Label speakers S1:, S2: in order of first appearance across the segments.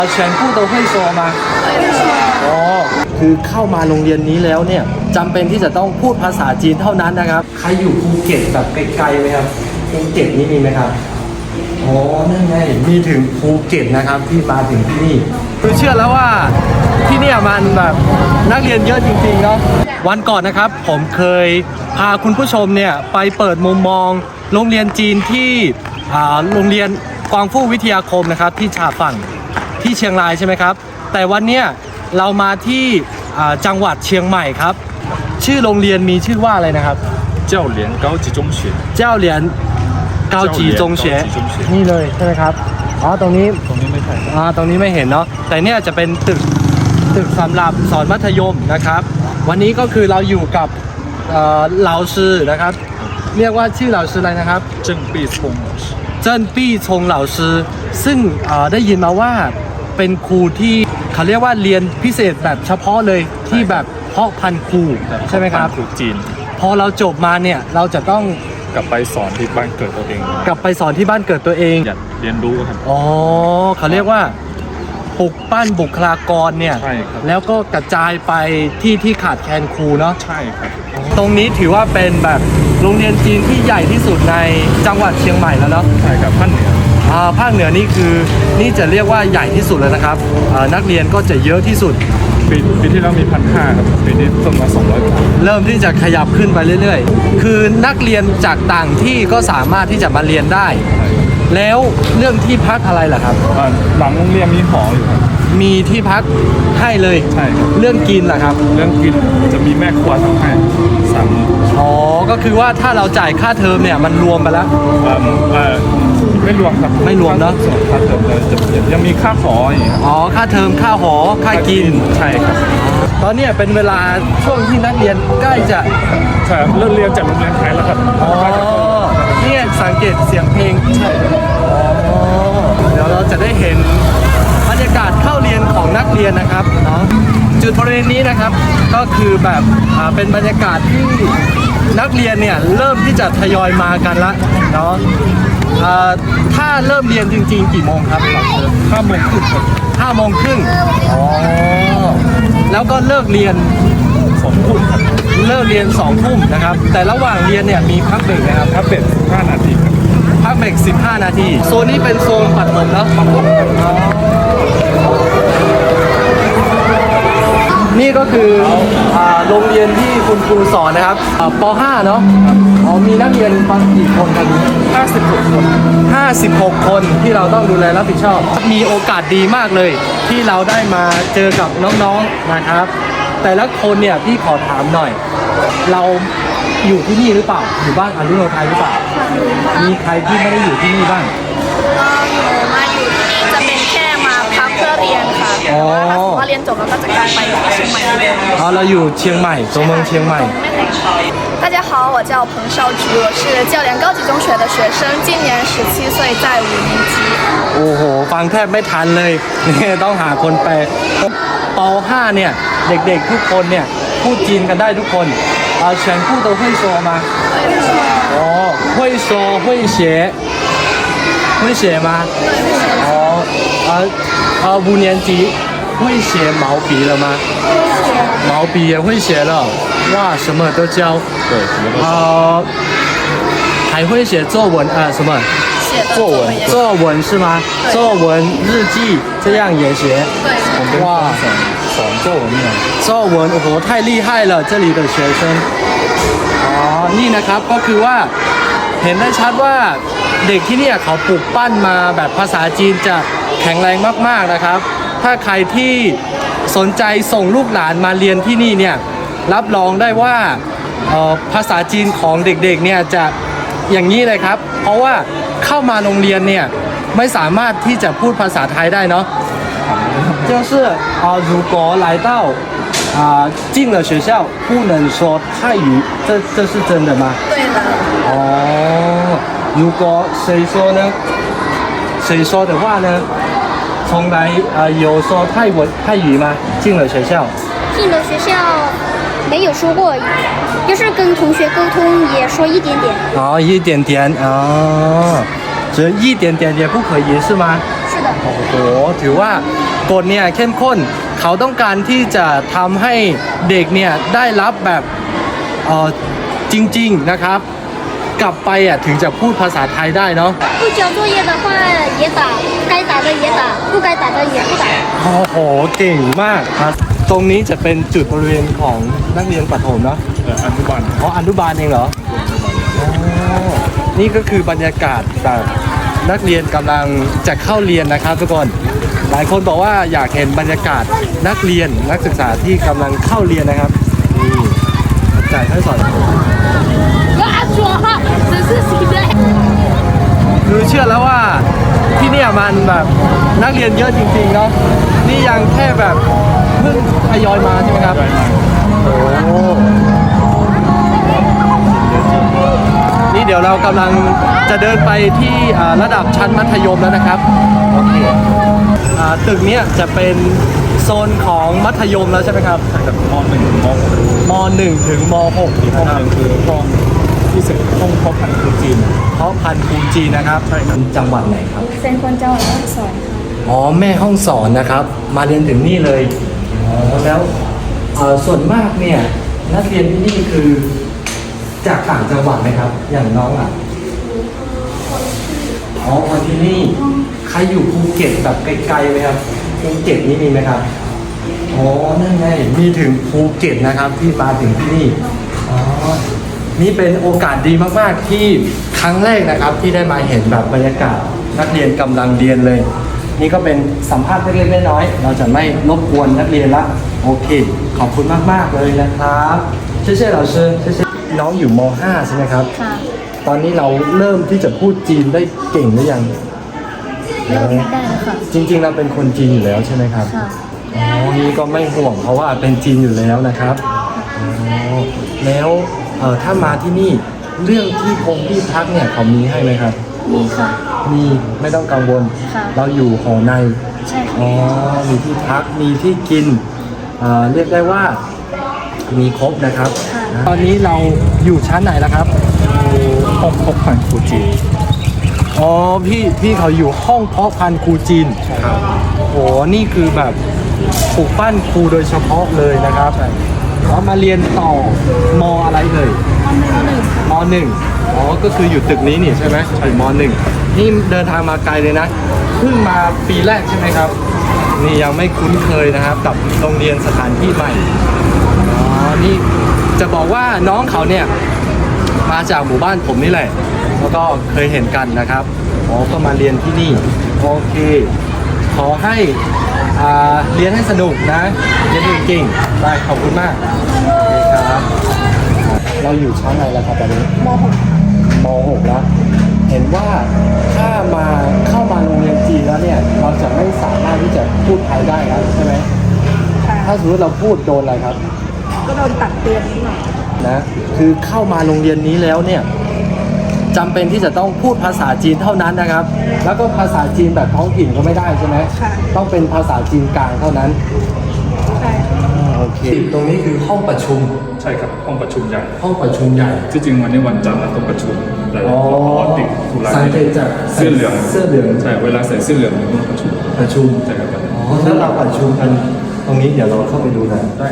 S1: 全部都会说吗อ๋อคือเข้ามาโรงเรียนนี้แล้วเนี่ยจำเป็นที่จะต้องพูดภาษาจีนเท่านั้นนะครับใครอยู่ภูเก็ตแบบไกลๆไหมครับภูเก็ตนี่มีไหมครับอ๋อนั่นไงมีถึงภูเก็ตนะครับที่มาถึงที่นี่คือเชื่อแล้วว่าที่เนี่ยมันแบบนักเรียนเยอะจริงๆเนาะวันก่อนนะครับผมเคยพาคุณผู้ชมเนี่ยไปเปิดมุมมองโรงเรียนจีนที่โรงเรียนกวางฟู่วิทยาคมนะครับที่ชาฝั่งที่เชียงรายใช่ไหมครับแต่วันเนี้ยเรามาที่จังหวัดเชียงใหม่ครับชื่อโรงเรียนมีชื่อว่าอะไรนะครับ
S2: 教联高级中学
S1: เจ้าเหรียญเกาจีจงเฉนี่เลยใช่ไหมครับอ๋อตรงนี้
S2: ไม่ใช่
S1: ตรงนี้ไม่เห็นเนาะแต่เนี่ยจะเป็นตึกสำหรับสอนมัธยมนะครับวันนี้ก็คือเราอยู่กับเหลาซือนะครับเรียกว่าชื่อเหลาซืออะไรนะครับ
S2: 郑必聪老师
S1: เจิ้นปี้ชงเหลาซือซึ่งได้ยินมาว่าเป็นครูที่เขาเรียกว่าเรียนพิเศษแบบเฉพาะเลยที่แบบเพาะพันธุ์ครูใช่ไหมครับ
S2: ครูจีน
S1: พอเราจบมาเนี่ยเราจะต้อง
S2: กลับไปสอนที่บ้านเกิดตัวเอง
S1: กลับไปสอนที่บ้านเกิดตัวเอง
S2: อยากเรียนรู้ครับ
S1: อ๋อเขาเรียกว่าปลุกปั้นบุคลากรเนี่ย
S2: ใช่ครับ
S1: แล้วก็กระจายไปที่ขาดแคลนครูเนาะ
S2: ใช่ครับ
S1: ตรงนี้ถือว่าเป็นแบบโรงเรียนจีนที่ใหญ่ที่สุดในจังหวัดเชียงใหม่แล้วเนาะ
S2: ใช่ครับภาคเหนือ
S1: ภาคเหนือนี่คือนี่จะเรียกว่าใหญ่ที่สุดแล้วนะครับนักเรียนก็จะเยอะที่สุด
S2: ปีที่แล้วมี1,500ครับปีนี้เพิ่มมา200กว่า
S1: เริ่มที่จะขยับขึ้นไปเรื่อยๆคือนักเรียนจากต่างที่ก็สามารถที่จะมาเรียนได้แล้วเรื่องที่พักอะไรล่ะครับ
S2: หลังโรงเรียนมีหออยู่ครับ
S1: มีที่พักให้เลย
S2: ใช่ครับ
S1: เรื่องกินล่ะครับ
S2: เรื่องกินจะมีแม่ครัวทำให้3 มื้อ
S1: อ๋อก็คือว่าถ้าเราจ่ายค่าเทอมเนี่ยมันรวมไปแล้ว
S2: ไม่รวมครับ
S1: ไม่รวมเนาะ
S2: ส่วนค่าเทอมจะยังมีค่าหออย่างเงี้ย
S1: อ๋อค่าเทอมค่าหอค่ากิน
S2: ใช่ครับ
S1: ตอนนี้เป็นเวลาช่วงที่นักเรียนใกล้จะ
S2: ใช่เลิกเรียนจากโรงเรียนไทยแล้วครับ
S1: อ๋อเนี่ยสังเกตเสียงเพลงใช่อ๋อเดี๋ยวเราจะได้เห็นบรรยากาศเข้าเรียนของนักเรียนนะครับเนาะจุดบริเวณนี้นะครับก็คือแบบเป็นบรรยากาศที่นักเรียนเนี่ยเริ่มที่จะทยอยมากันละเนาะถ้าเริ่มเรียนจริงๆกี่โมงครับ
S2: 5 โมงครึ่งครับ
S1: 5 โมงครึ่งอ๋อแล้วก็เลิกเรียน
S2: 2 ทุ่มครับ
S1: เลิกเรียน2 ทุ่มนะครับแต่ระหว่างเรียนเนี่ยมีพักเบรกนะครับ
S2: พักเบรก15 นาทีครับ
S1: พักเบรก15 นาทีโซนนี้เป็นโซนปัดผมแล้วนี่ก็คือโรงเรียนที่คุณครูสอนนะครับป .5 เนาะมีนักเรียนกี่คนครับ
S2: 56 คน
S1: 56 คนที่เราต้องดูแลรับผิดชอบมีโอกาสดีมากเลยที่เราได้มาเจอกับน้องๆนะครับแต่ละคนเนี่ยพี่ขอถามหน่อยเราอยู่ที่นี่หรือเปล่าอยู่บ้านอรุณโนไทยหรือเปล่ามีใครที่ไม่ได้อยู่ที่นี่บ้าง
S3: หนูมาอยู่ที่นี่จะเป็นแค่มาพักเพื่อเรียนค่ะแต่ว่าถ้าสมมติว่าเรียนจบแล้วก็จะกลายไปที่เชียงใหม่เลย
S1: เราอยู่เชียงใหม่ตัวเมืองเชียงใหม่
S3: 大家好，我叫彭少菊，我是教联高级中学的学生，今年17岁，在5年级。
S1: โอ้โหฟังแทบไม่ทันเลยนี่ต้องหาคนแปลป .5 เนี่ยเด็กๆทุกคนเนี่ยพูดจีนกันได้ทุกคน全部都会说吗哦会说会写会写吗5年级会写毛笔了吗毛笔也会写了哇什么都教
S2: 对什么都
S1: 还会写作文什么作文是吗作文日记这样也写
S2: 哇สอน作文เนี่ย
S1: 作文โอ้โห太厉害了这里的学生นี่นะครับก็คือว่าเห็นได้ชัดว่าเด็กที่นี่เขาปลูกปั้นมาแบบภาษาจีนจะแข็งแรงมากๆนะครับถ้าใครที่สนใจส่งลูกหลานมาเรียนที่นี่เนี่ยรับรองได้ว่าภาษาจีนของเด็กๆเนี่ยจะอย่างนี้เลยครับเพราะว่าเข้ามาโรงเรียนเนี่ยไม่สามารถที่จะพูดภาษาไทยได้เนาะ就是如果来到进了学校不能说泰语这是真的吗
S3: 对的
S1: 如果谁说呢谁说的话呢从来有说泰语吗进了学校
S4: 进了学校没有说过就是跟同学沟通也说一点点
S1: 一点点只一点点也不可以是吗
S4: 是的
S1: โอ้โหถือว่ากฎเนี่ยเข้มข้นเขาต้องการที่จะทำให้เด็กเนี่ยได้รับแบบจริงๆนะครับกลับไปถึงจะพูดภาษาไทยได้เนาะ
S4: 不交作业的话也打，该打的也打，不该打的也不打。
S1: โอ้โหเก่งมากครับตรงนี้จะเป็นจุดบริเวณของนักเรียนประถมเนาะ
S2: อนุบาล
S1: อ๋ออนุบาลเองเหรออ๋อนี่ก็คือบรรยากาศแบบนักเรียนกำลังจะเข้าเรียนนะครับทุกคนหลายคนบอกว่าอยากเห็นบรรยากาศนักเรียนนักศึกษาที่กำลังเข้าเรียนนะครับนี่อาจารย์ให้สอนคือเชื่อแล้วว่าที่เนี่ยมันแบบนักเรียนเยอะจริงๆเนาะนี่ยังแค่แบบเพิ่งทยอยมาใช่ไหมครับโอ้นี่เดี๋ยวเรากำลังจะเดินไปที่ระดับชั้นมัธยมแล้วนะครับโอเคตึกเนี้ยจะเป็นโซนของมัธยมแล้วใช่ไหมครับ
S2: จากม .1 ถึงม
S1: ม .1 ถึงม .6
S2: .6 ห้องหนึ่งคือห้องที่สิบห้องเพาะพันธุ์คือจีน
S1: เพราะพันธุ์ปูจีนนะครับใช่ครับจังหวัดไหนครับ
S3: เป็นคนจังหวัดแม่ฮ่องสอนค่ะ
S1: อ๋อแม่ห้องสอนนะครับ มาเรียนถึงนี่เลยอ๋อแล้วส่วนมากเนี่ยนักเรียนที่นี่คือจากต่างจังหวัดไหมครับ อย่างน้องอ๋อคนที่นี่ใครอยู่ภูเก็ตแบบไกลๆไหมครับภูเก็ตนี่มีไหมครับอ๋อนั่นไงมีถึงภูเก็ตนะครับที่มาถึงที่นี่อ๋อนี่เป็นโอกาสดีมากๆที่ครั้งแรกนะครับที่ได้มาเห็นแบบบรรยากาศนักเรียนกำลังเรียนเลย นี่ก็เป็นสัมภาษณ์เล็กๆน้อยๆเราจะไม่รบกวนนักเรียนละโอเคขอบคุณมากๆเลยนะครับเช่ๆเราเชิญเช่ๆน้องอยู่ม .5 ใช่ไหมครับ
S3: ค่ะ
S1: ตอนนี้เราเริ่มที่จะพูดจีนได้เก่งหรือยัง
S3: เริ่มได้แล้วค่ะ
S1: จริงๆเราเป็นคนจีนอยู่แล้วใช่ไหมครับ
S3: ค่ะ
S1: อ๋อนี่ก็ไม่ห่วงเพราะว่าเป็นจีนอยู่แล้วนะครับอ๋อแล้วถ้ามาที่นี่เรื่องที่พักเนี่ยเขามีให้ไหมครับ
S3: มีค่ะ
S1: มีไม่ต้องกังวล
S3: ค่ะ
S1: เราอยู่หอใน
S3: ใช่ค่ะ
S1: อ๋อมีที่พักมีที่กินเรียกได้ว่ามีครบนะครับ ตอนนี้เราอยู่ชั้นไหนแล้วครับ
S2: ห้องเพาะพันธุ์คือจีน
S1: อ๋อพี่เขาอยู่ห้องเพาะพันธุ์ครูจีนครับโอ้นี่คือแบบปลูกปั้นครูโดยเฉพาะเลยนะครับแล้วมาเรียนต่อมอะไรเลยมหนึ่งอ๋อก็คืออยู่ตึกนี้นี่ใช่ไหมอยู่มหนึ่งนี่เดินทางมาไกลเลยนะเพิ่งมาปีแรกใช่ไหมครับ นี่ยังไม่คุ้นเคยนะครับกับโรงเรียนสถานที่ใหม่อ๋อนี่จะบอกว่าน้องเขาเนี่ยมาจากหมู่บ้านผมนี่แหละแล้วก็เคยเห็นกันนะครับอ๋อก็มาเรียนที่นี่โอเคขอให้เรียนให้สนุกนะเรียนเก่งๆได้ขอบคุณมากโอเคครับเราอยู่ชั้นไหนแล้วครับตอนนี้ม .6 แล้วเห็นว่าถ้าเข้ามาโรงเรียนจีนแล้วเนี่ยเราจะไม่สามารถที่จะพูดไทยได้แล้วใช่ไหม
S3: ค่ะ
S1: ถ้าสมมติเราพูดโดนอะไรครับ
S3: ก็โดนตักเตือนนิดหน่อย
S1: นะคือเข้ามาโรงเรียนนี้แล้วเนี่ยจำเป็นที่จะต้องพูดภาษาจีนเท่านั้นนะครับ แล้วก็ภาษาจีนแบบท้องถิ่นก็ไม่ได้ใช่ไหม
S3: ค่ะ
S1: ต้องเป็นภาษาจีนกลางเท่านั้น
S3: ใช่
S1: โอเคตรงนี้คือห้องประชุม
S2: ใช่ครับห้องประชุมใหญ่
S1: ห้องประชุมใหญ่
S2: ที่จริงวันนี้วันจันทร์เราต้องประชุมแต่
S1: อ๋อ
S2: พอติดธุระ
S1: สังเกตจาก
S2: เสื้อเหลือง
S1: เสื้อเหลือง
S2: ใช่เวลาใส่เสื้อเหลืองเราต้องประชุม
S1: ประชุม
S2: ใช่ครับ
S1: อ๋อแล้วเราประชุมกันตรงนี้เดี๋ยวเราเข้าไปดูหน่อย
S2: ได้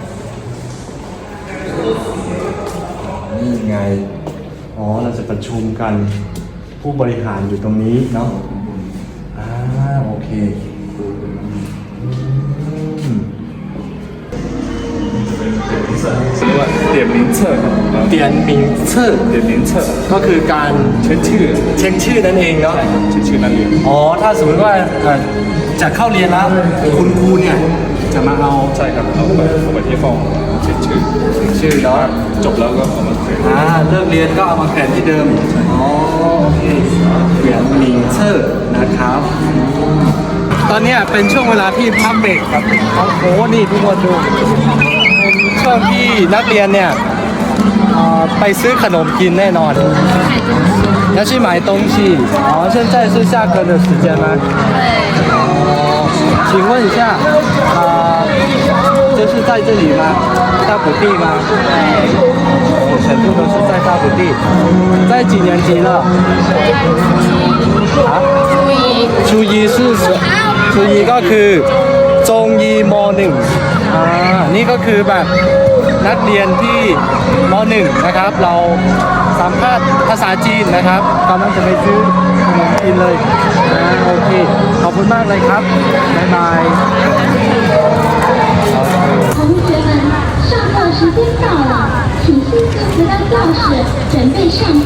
S1: นี่ไงอ๋อเราจะประชุมกันผู้บริหารอยู่ตรงนี้เนาะโอเคอืม
S2: เรียกว่าเ点名册ครับ
S1: เปลี่ยนมิงชื่อ
S2: เ点名册
S1: ก็คือการ
S2: เช็คชื่อ
S1: เช็คชื่อนั่นเองเนาะ
S2: ใช่ครับเช็คชื่อนักเรียน
S1: อ๋อถ้าสมมติว่าจะเข้าเรียนแล้วคุณครูเนี่ยจะมาเอา
S2: ใช่ครับเอาไปที่ห้องเช็คชื่อ
S1: ชื่อเนาะ
S2: จบแล้วก็เอามาเขียน
S1: เลิกเรียนก็เอามาแขวนที่เดิมอ๋อโอเคเปลี่ยนมิงชื่อนะครับ ตอนเนี้ยเป็นช่วงเวลาที่พักเบรกครับโอ้โหนี่ทุกคนดูเป็นช่วงที่นักเรียนเนี่ยไปซื้อขนมกินแน่นอน要去买东西哦现在是下课的时间吗哦请问一下就是在这里吗大埔地吗全部都是在大埔地在几年级了啊初一是初一ก็คือจงยีมหนึ่งนี่ก็คือแบบนักเรียนที่มหนึ่งนะครับ เราสัมภาษณ์ภาษาจีนนะครับกำลังจะไปซื้อขนมจีนเลยโอเคขอบคุณมากเลยครับบ๊ายบาย
S5: 同学们，上课时间到了，请迅速回到教室，准备上课。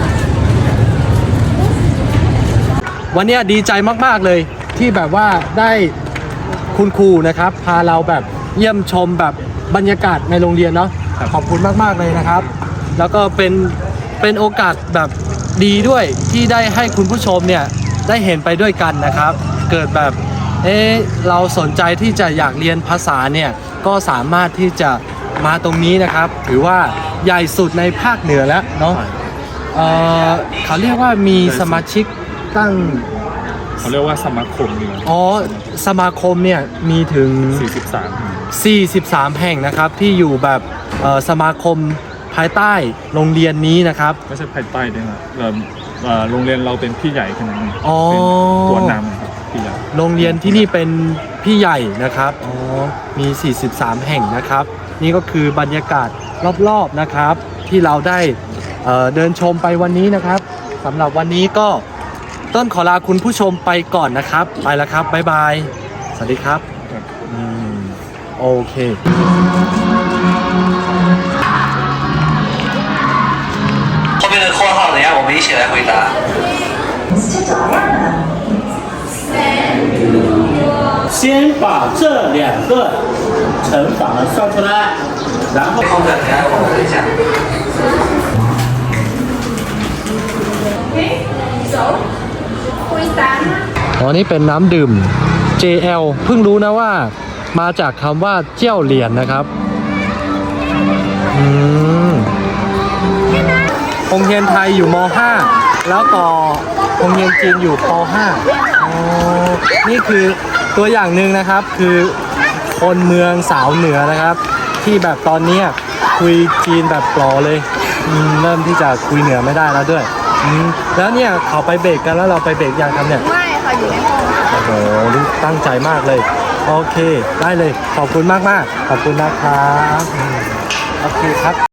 S1: วันนี้ดีใจมากๆเลยที่แบบว่าได้คุณครูนะครับ พาเราแบบเยี่ยมชมแบบบรรยากาศในโรงเรียนเนาะขอบคุณมากๆเลยนะครับ แล้วก็เป็นโอกาสแบบดีด้วยที่ได้ให้คุณผู้ชมเนี่ยได้เห็นไปด้วยกันนะครับ เกิดแบบเราสนใจที่จะอยากเรียนภาษาเนี่ยก็สามารถที่จะมาตรงนี้นะครับถือว่าใหญ่สุดในภาคเหนือแล้วเนาะเขาเรียกว่ามีสมาชิกตั้ง
S2: เขาเรียกว่าสมาคมเนี่ย
S1: สมาคมเนี่ยมีถึง
S2: 43
S1: 43 แห่งนะครับที่อยู่แบบสมาคมภายใต้โรงเรียนนี้นะครับ
S2: ไม่ใช่ภายใต้ด้วยนะโรงเรียนเราเป็นพี่ใหญ่ขนาดนี้
S1: อ๋อ
S2: เป็นตัวนำครับพี่ใหญ่
S1: โรงเรียนที่นี่เป็นพี่ใหญ่นะครับมี 43 แห่งนะครับ นี่ก็คือบรรยากาศรอบๆนะครับ ที่เราได้เดินชมไปวันนี้นะครับสำหรับวันนี้ก็ต้นขอลาคุณผู้ชมไปก่อนนะครับ ไปแล้วครับบ๊ายบายสวัสดีครับโอเค
S6: 后面的括号等一下我们一起来回答。
S7: 先把这两个乘法算出来，然后
S6: 后面等一下我们一下。
S1: อ๋อนี่เป็นน้ำดื่ม JL เพิ่งรู้นะว่ามาจากคำว่าเจี้ยวเหรียญนะครับโรงเรียนไทยอยู่ม .5 แล้วก็โรงเรียนจีนอยู่ป .5 นี่คือตัวอย่างหนึ่งนะครับคือคนเมืองสาวเหนือนะครับ ที่แบบตอนนี้คุยจีนแบบปลอเลยเริ่มที่จะคุยเหนือไม่ได้แล้วด้วยแล้วเนี่ยเขาไปเบรกกันแล้วเราไปเบรกยังครับเนี่ย
S3: ไม่ค่ะอยู่ในห้องค่ะ
S1: โอ้โหนี่ตั้งใจมากเลย โอเค ได้เลย ขอบคุณมากๆ ขอบคุณนะครับ โอเคครับ